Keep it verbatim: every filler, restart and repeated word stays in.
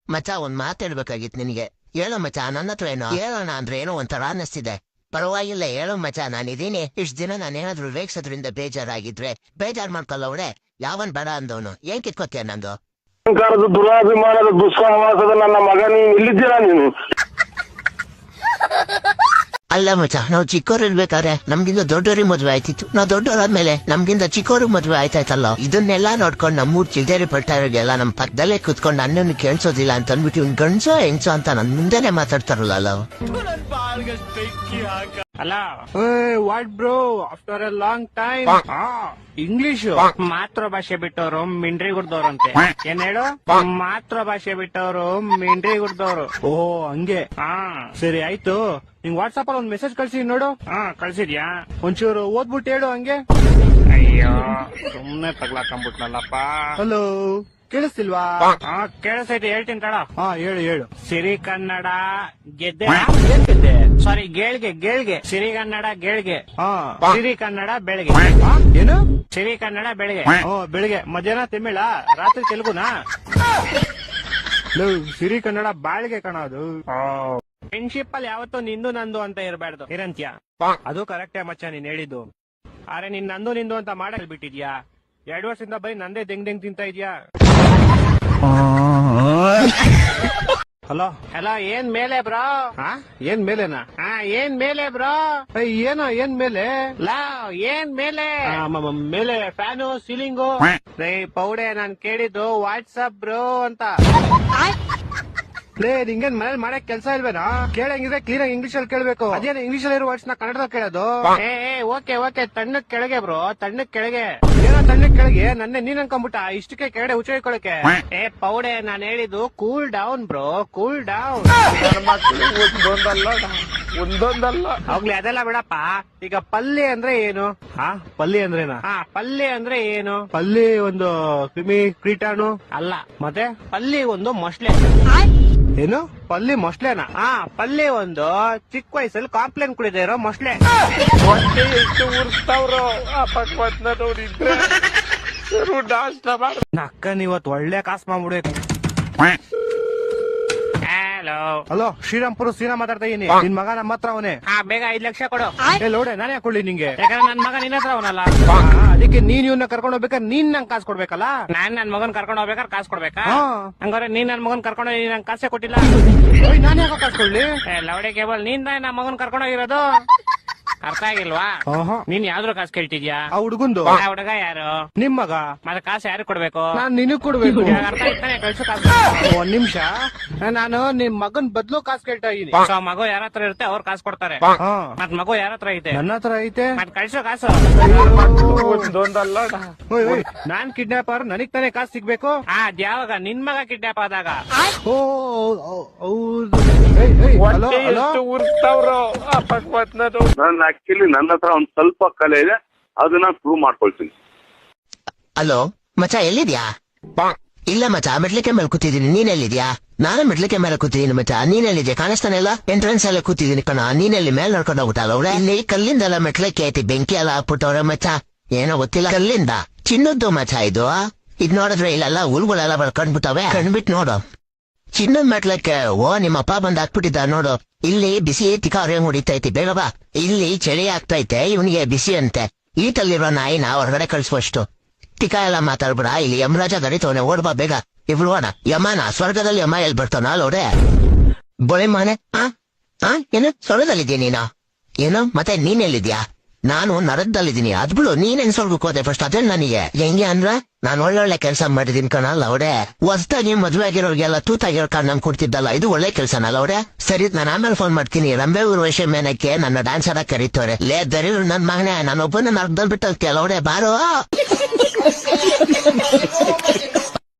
ಮಚ ಒಂದ್ ಮಾತಾಡ್ಬೇಕಾಗಿತ್ತು ನಿನಗೆ. ಹೇಳೋ ಮಚ, ನನ್ನ ಹತ್ರ ಏನೋ ಹೇಳೋಣ ಅಂದ್ರೆ ಏನೋ ಒಂಥರ ಅನ್ನಿಸ್ತಿದೆ. ಪರವಾಗಿಲ್ಲ ಹೇಳೋ ಮಚ, ನಾನಿದ್ದೀನಿ. ಇಷ್ಟ ದಿನ ನಾನೇನಾದ್ರೂ ರೇಗ್ಸೋದ್ರಿಂದ ಬೇಜಾರಾಗಿದ್ರೆ ಬೇಜಾರ್ ಮಾಡ್ಕೊಳ್ಳೋವ್ರೆ. ಯಾವನ್ ಬೇಡ ಅಂದವನು ಏನ್ ಕಿತ್ಕೋತೀಯ ನಂದು? ಅಹಂಕಾರದ ದುರಾಭಿಮಾನದ ದುಸ್ಸಹವಾಸದ ನನ್ನ ಮಗ, ನೀನು ಇಲ್ಲಿದ್ದೀರಾ ನೀನು? ಅಲ್ಲ ಮಚ, ನಾವು ಚಿಕ್ಕವ್ರು ಇರ್ಬೇಕಾದ್ರೆ ನಮ್ಗಿಂತ ದೊಡ್ಡವ್ರಿಗೆ ಮದ್ವೆ ಆಯ್ತಿತ್ತು. ನಾವು ದೊಡ್ಡವರಾದ್ಮೇಲೆ ನಮ್ಗಿಂತ ಚಿಕ್ಕವ್ರಿಗೆ ಮದ್ವೆ ಆಯ್ತಾಯ್ತಲ್ಲ. ಇದನ್ನೆಲ್ಲಾ ನೋಡ್ಕೊಂಡು ನಮ್ಮೂರ್ ಚಿಲ್ದೇರಿ ಪಟ್ಟಾರಿಗೆಲ್ಲ ನಮ್ ಪಕ್ಕದಲ್ಲೇ ಕುತ್ಕೊಂಡು ಅನ್ನನ್ನು ಕೇಳಿಸೋದಿಲ್ಲ ಅಂತ ಅಂದ್ಬಿಟ್ಟು ಇವ್ನ್ ಗಂಡ್ಸೋ ಹೆಂಗ್ಸೋ ಅಂತ ನನ್ ಮುಂದೆನೆ ಮಾತಾಡ್ತಾರಲ್ಲ. ಅಲ್ಲ what bro, after a long time English ಮಾತೃಭಾಷೆ ಬಿಟ್ಟವರು ಮಿಂಡ್ರಿ ಗುಡ್ದವ್ರಂತೆ. ಏನ್ ಹೇಳು? ಮಾತೃಭಾಷೆ ಬಿಟ್ಟವರು ಮಿಂಡ್ರಿ ಗುಡ್ದವ್ರು. ಓ ಹಂಗೆ. ಹಾ ಸರಿ ಆಯ್ತು. ನಿಂಗ್ ವಾಟ್ಸ್ಆಪ್ ಅಲ್ಲಿ ಒಂದ್ ಮೆಸೇಜ್ ಕಳ್ಸಿ ನೋಡು. ಹಾ ಕಳ್ಸಿದ್ಯಾ? ಒಂಚೂರು ಓದ್ಬಿಟ್ಟು ಹೇಳು ಹಂಗೆ. ಅಯ್ಯೋ ಸುಮ್ನೆ ತಗ್ಲಾಕೊಂಡ್ಬಿಟ್ನಲ್ಲಪ್ಪ. ಹಲೋ ಕೇಳಿಸ್ತಿಲ್ವಾ? ಹಾ ಕೇಳಿಸೈತೆ, ಹೇಳ್ತೀನಿ ತಡ. ಹಾ ಹೇಳು ಹೇಳು. ಸಿರಿ ಕನ್ನಡ ಗೆದ್ದೆ. ಏನ್ ಗೆದ್ದೆ? ಸಾರಿ ಗೇಳ್ಗೆ ಗೇಳ್ಗೆ. ಸಿರಿ ಕನ್ನಡ ಗೇಳ್ಗೆ. ಹಾ ಸಿರಿ ಕನ್ನಡ ಬೆಳಗ್ಗೆ. ಏನು? ಸಿರಿ ಕನ್ನಡ ಬೆಳಗ್ಗೆ. ಓ ಬೆಳಿಗ್ಗೆ. ಮಧ್ಯಾಹ್ನ ತಮಿಳ, ರಾತ್ರಿ ತೆಲುಗುನಾ? ಸಿರಿ ಕನ್ನಡ ಬಾಳ್ಗೆ ಕಣದು. ಫ್ರೆಂಡ್ಶಿಪ್ ಅಲ್ಲಿ ಯಾವತ್ತೂ ನಿಂದು ನಂದು ಅಂತ ಇರಬಾರ್ದು ಇರಂತ್ಯ. ಅದು ಕರೆಕ್ಟೇ ಮಚ್ಚ ನೀನ್ ಹೇಳಿದ್ದು. ಆದ್ರೆ ನೀನ್ ನಂದು ನಿಂದು ಅಂತ ಮಾಡಲ್ ಬಿಟ್ಟಿದ್ಯಾ? ಎರಡು ವರ್ಷದಿಂದ ಬರೀ ನಂದೇ ದೆಂಗ್ ದೆಂಗ್ ತಿಂತ ಇದ್ಯಾ? ಹಲೋ ಹಲೋ, ಏನ್ ಮೇಲೆ ಬ್ರೋ? ಏನ್ ಮೇಲೆನಾ? ಹಾ ಏನ್ ಮೇಲೆ ಬ್ರೋ? ಏನೋ ಏನ್ ಮೇಲೆ? ಲಾ ಏನ್ ಮೇಲೆ? ಮೇಲೆ ಫ್ಯಾನು ಸೀಲಿಂಗು. ಪೌಡೆ ನಾನ್ ಕೇಳಿದ್ದು ವಾಟ್ಸಪ್ ಬ್ರೋ ಅಂತ. ಲೇ ನಿಂಗೇನ್ ಮನೇಲಿ ಮಾಡಕ್ ಕೆಲ್ಸ ಇಲ್ವೇನಾ? ಕೇಳಂಗಿದ್ರೆ ಕ್ಲೀನ್ ಆಗಿ ಇಂಗ್ಲಿಷ್ ಅಲ್ಲಿ ಕೇಳ್ಬೇಕು. ಅದೇನು ಇಂಗ್ಲಿಷ್ ಅಲ್ಲಿ ಇರೋ ವರ್ಡ್ಸ್ ನ ಕನ್ನಡದಲ್ಲಿ ಕೇಳೋದು? ಏ ಓಕೆ ಓಕೆ, ತಣ್ಣಕ್ ಕೆಳಗೆ ಬ್ರೋ, ತಣ್ಣಕ್ ಕೆಳಗೆ. ಏನೋ ತಣ್ಣಕ್ ಕೆಳಗೆ? ನನ್ನ ನೀನ್ ಅನ್ಕೊಂಬಿಟ್ಟ ಇಷ್ಟಕ್ಕೆ ಕೆಳಗಡೆ ಉಚ್ಚಿಕೊಳ್ಳಕ್ಕೆ. ಏ ಪೌಡೆ ನಾನ್ ಹೇಳಿದ್ದು cool down bro, cool down. ಒಂದೊಂದಲ್ಲ ಒಂದೊಂದಲ್ಲ ಹೋಗ್ಲಿ ಅದೆಲ್ಲ ಬಿಡಪ್ಪ. ಈಗ ಪಲ್ಯ ಅಂದ್ರೆ ಏನು? ಹಾ ಪಲ್ಯ ಅಂದ್ರೇನಾ? ಹಾ ಪಲ್ಯ ಅಂದ್ರೆ ಏನು? ಪಲ್ಯ ಒಂದು ಕ್ರಿಮಿ ಕೀಟಾಣು ಅಲ್ಲ. ಮತ್ತೆ ಪಲ್ಯ ಒಂದು ಮೊಸಳೆ. ಏನು ಪಲ್ಲಿ ಮೊಸ್ಲೆನಾ? ಹಾ ಪಲ್ಲಿ ಒಂದು ಚಿಕ್ಕ ವಯಸ್ಸಲ್ಲಿ ಕಾಂಪ್ಲೇನ್ ಕುಡಿದೇ ಇರೋ ಮೊಸ್ಲೆ. ಎಷ್ಟು ಉರ್ಸ್ತಾವ್ರು ನಕ್ಕನ್ ಇವತ್ತು ಒಳ್ಳೆ ಕಾಸು ಮಾಡ್ಬಿಡ್ಬೇಕು. ಹಲೋ ಹಲೋ, ಶ್ರೀರಾಮ್ಪುರ ಸೀನಾ ಮಾತಾಡ್ತಾ ಇದೀನಿ. ನಿನ್ ಮಗ ನಮ್ಮ ಹತ್ರ ಅವನೇ. ಹಾ ಬೇಗ ಐದ್ ಲಕ್ಷ ಕೊಡು. ಲೋಡೆ ನಾನೇ ಕೊಡ್ಲಿ ನಿಂಗೆ? ಯಾಕಂದ್ರೆ ನನ್ ಮಗ ನಿನ್ನ ಹತ್ರ ಅವನಲ್ಲ. ಅದಕ್ಕೆ ನೀನ್ ಇವನ್ನ ಕರ್ಕೊಂಡು ಹೋಗ್ಬೇಕಾದ್ರೆ ನೀನ್ ನಂಗೆ ಕಾಸು ಕೊಡ್ಬೇಕಲ್ಲ. ನಾನ್ ನನ್ ಮಗನ್ ಕರ್ಕೊಂಡು ಹೋಗ್ಬೇಕಾದ್ರೆ ಕಾಸು ಕೊಡ್ಬೇಕಾ? ಹಂಗಾರೆ ನೀನ್ ನನ್ ಮಗನ್ ಕರ್ಕೊಂಡು ಹೋಗಿ ನಂಗೆ ಕಾಸೇ ಕೊಟ್ಟಿಲ್ಲ. ನಾನು ಯಾಕೆ ಕಾಸು ಕೊಡ್ಲಿ? ಲೌಡೆ ಕೇಬಲ್ ನೀನ್ ನನ್ನ ಮಗನ್ ಕರ್ಕೊಂಡು ಹೋಗಿರೋದು. ಅರ್ಥ ಆಗಿಲ್ವಾ? ನೀನ್ ಯಾವ್ದ್ರ ಕಾಸು ಕೇಳ್ತಿದ್ಯಾ? ಆ ಹುಡುಗಂದು. ಹುಡುಗ ಯಾರು? ನಿಮ್ ಮಗ. ಮತ್ತೆ ಕಾಸು ಯಾರು ಕೊಡ್ಬೇಕು? ನಾನ್ ನಿನಗ್ ಕೊಡ್ಬೇಕು. ಅರ್ಥ ಆಯ್ತಾನೆ? ಕಳ್ಸು ಕಾಸು. ಒಂದ್ ನಿಮಿಷ, ನಾನು ನಿಮ್ ಮಗನ್ ಬದ್ಲು ಕಾಸು ಕೇಳ್ತಾ ಇದೀನಿ. ಮಗು ಯಾರ ಹತ್ರ ಇರುತ್ತೆ ಅವ್ರು ಕಾಸು ಕೊಡ್ತಾರೆ. ಮತ್ ಮಗು ಯಾರ ಹತ್ರ ಐತೆ? ನನ್ನ ಹತ್ರ ಐತೆ. ಮತ್ ಕಳ್ಸೋ ಕಾಸು. ನಾನ್ ಕಿಡ್ನಾಪರ್, ನನಗ್ ತಾನೇ ಕಾಸು ಸಿಗ್ಬೇಕು. ಅದ್ ಯಾವಾಗ? ನಿನ್ ಮಗ ಕಿಡ್ನಾಪ್ ಆದಾಗ. ಓ ಹೌದು. ಆಕ್ಚುಲಿ ನನ್ನ ಹತ್ರ ಒಂದ್ ಸ್ವಲ್ಪ ಕಲೆ ಇದೆ, ಅದನ್ನ ಪ್ರೂವ್ ಮಾಡ್ಕೊಳ್ತೀನಿ. ಹಲೋ ಮಚ, ಎಲ್ಲಿದ್ಯಾ? ಇಲ್ಲ ಮಚ, ಮೆಟ್ಲಿಕೆ ಮೇಲೆ ಕೂತಿದ್ದೀನಿ. ನೀನ್ ಎಲ್ಲಿದ್ಯಾ? ನಾನು ಮೆಟ್ಲಿಕೆ ಮೇಲೆ ಕೂತಿದ್ದೀನಿ ಮಚ. ನೀನ್ ಎಲ್ಲಿದ್ಯಾ? ಕಾಣಿಸ್ತಾನೆ ಇಲ್ಲ. ಎಂಟ್ರೆನ್ಸ್ ಎಲ್ಲ ಕೂತಿದ್ದೀನಿ ಕಣ. ನೀನೆಲ್ಲಿ ಮೇಲೆ ನಡ್ಕೊಂಡು ಹೋಗ್ಬಿಟ್ಟಲ್ಲ ಅವ್ರೆ? ಇಲ್ಲಿ ಕಲ್ಲಿಂದೆಲ್ಲ ಮೆಟ್ಲಿಕೆ ಐತಿ, ಬೆಂಕಿ ಎಲ್ಲ ಹಾಕ್ಬಿಟ್ಟವ್ರೆ ಮಚ. ಏನೋ ಗೊತ್ತಿಲ್ಲ. ಕಲ್ಲಿಂದ ಚಿನ್ನದ್ದು ಮಚ ಇದು. ಇದ್ ನೋಡಿದ್ರೆ ಇಲ್ಲೆಲ್ಲ ಹುಲ್ಗಳೆಲ್ಲ ಕಣ್ಬಿಟ್ಟವೆ. ಕಣ್ಬಿಟ್ಟು ನೋಡು, ಚಿನ್ನದ ಮೆಟ್ಲಕ್ಕೆ. ಓ ನಿಮ್ಮ ಅಪ್ಪ ಬಂದ್ ಹಾಕ್ಬಿಟ್ಟಿದ್ದ ನೋಡು. ಇಲ್ಲಿ ಬಿಸಿ ತಿಕಾರಿ ಹೊಡಿತೈತಿ, ಬೇಗ ಬಾ. ಇಲ್ಲಿ ಚಳಿ ಆಗ್ತೈತೆ, ಇವನಿಗೆ ಬಿಸಿ ಅಂತೆ. ಈಟಲ್ಲಿರೋ ನಾಯಿನ ಹೊರಗಡೆ ಕಳ್ಸುವಷ್ಟು. ಟಿಕ ಎಲ್ಲ ಮಾತಾಡ್ಬಿಡ. ಇಲ್ಲಿ ಯಮರಾಜ ಗಡಿತವನೆ, ಓಡ್ಬಾ ಬೇಗ. ಇವ್ರು ಅಣ್ಣ ಯಮನ ಸ್ವರ್ಗದಲ್ಲಿ ಯಮ ಎಲ್ಲಿ ಬರ್ತಾನ ಅಲ್ಲೋಡೆ ಬೋಳೆ ಮಾನೆ. ಆ ಆ ಏನು ಸ್ವರ್ಗದಲ್ಲಿದ್ದೀಯ ನೀನು? ಏನು ಮತ್ತೆ ನೀನೆಲ್ಲಿದ್ಯಾ? ನಾನು ನರಕದಲ್ಲಿದ್ದೀನಿ. ಅದ್ಬಿಡು, ನೀನೇನ್ ಸ್ವರ್ಗಕ್ಕೆ ಹೋದೆ ಫಸ್ಟ್? ಅದೇ ನನಗೆ ಹೆಂಗೆ ಅಂದ್ರ ನಾನ್ ಒಳ್ಳೊಳ್ಳೆ ಕೆಲಸ ಮಾಡಿದೀನಿ ಕಣಲ್ಲ ಅವಡೆ. ಹೊಸ್ದಾಗಿ ಮದ್ವೆ ಆಗಿರೋರ್ಗೆಲ್ಲ ತೂತಾಗಿರೋ ಕಾರ್ ನಮ್ ಕೊಡ್ತಿದ್ದಲ್ಲ, ಇದು ಒಳ್ಳೆ ಕೆಲ್ಸನಲ್ಲ ಅವಡೆ. ಸರಿ, ನಾನು ಆಮೇಲೆ ಫೋನ್ ಮಾಡ್ತೀನಿ. ರಂಬೆ ಊರ್ವಶಿ ಮೇನಕ್ಕೆ ನನ್ನ ಡ್ಯಾನ್ಸ್ ಆಡಕ್ ಕರೀತವ್ರೆ. ಲೇ ದರಿ ನನ್ ಮಗನೇ, ನಾನೊಬ್ಬನ ನರ್ಕದಲ್ಲಿ ಬಿಟ್ಟು ಕೆಲವಡೆ ಬಾರೋ.